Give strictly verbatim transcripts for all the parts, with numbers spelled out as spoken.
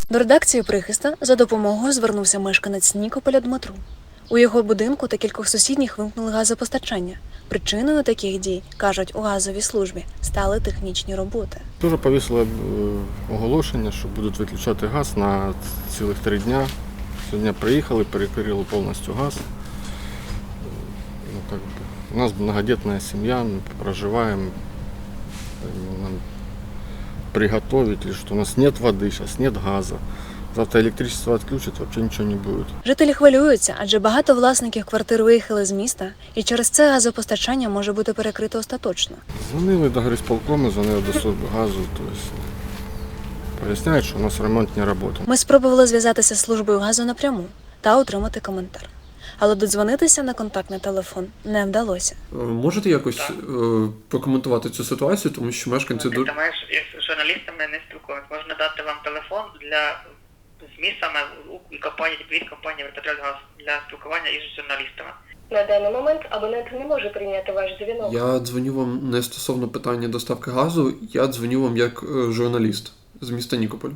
До редакції «Прихиста» за допомогою звернувся мешканець Нікополя Дмитро. У його будинку та кількох сусідніх вимкнули газопостачання. Причиною таких дій, кажуть у газовій службі, стали технічні роботи. Дуже повісили оголошення, що будуть виключати газ на цілих три дня. Сьогодні приїхали, перекрили повністю газ. Ну, как бы, у нас многодетная семья, мы проживаем, нам приготовить, что у нас нет воды, сейчас нет газа. Завтра электричество отключат, вообще ничего не будет. Жителі хвилюються, адже багато власників квартир виїхали з міста, і через це газопостачання може бути перекрите остаточно. Дзвонили до горисполкому, дзвонили до служби газу, тобто поясняють, що у нас ремонт не працює. Ми спробували зв'язатися з службою газу напряму та отримати коментар. Але додзвонитися на контактний телефон не вдалося. Можете якось е, прокоментувати цю ситуацію, тому що мешканці... Ти маєш із журналістами не спілкуватися. Можна дати вам телефон для ЗМІ саме і компанії, від компанії «Петрольгаз» для спілкування із журналістами. На даний момент абонент не може прийняти ваш дзвінок. Я дзвоню вам не стосовно питання доставки газу, я дзвоню вам як е, журналіст з міста Нікополь.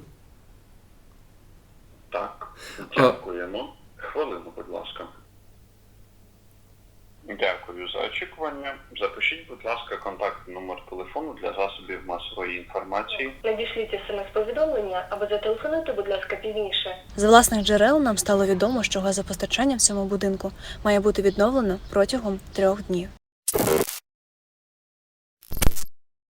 Так, дякуємо. Хвилину, будь ласка. Дякую за очікування. Запишіть, будь ласка, контактний номер телефону для засобів масової інформації. Надішліть смс-повідомлення або зателефонуйте, будь ласка, пізніше. З власних джерел нам стало відомо, що газопостачання в цьому будинку має бути відновлено протягом трьох днів.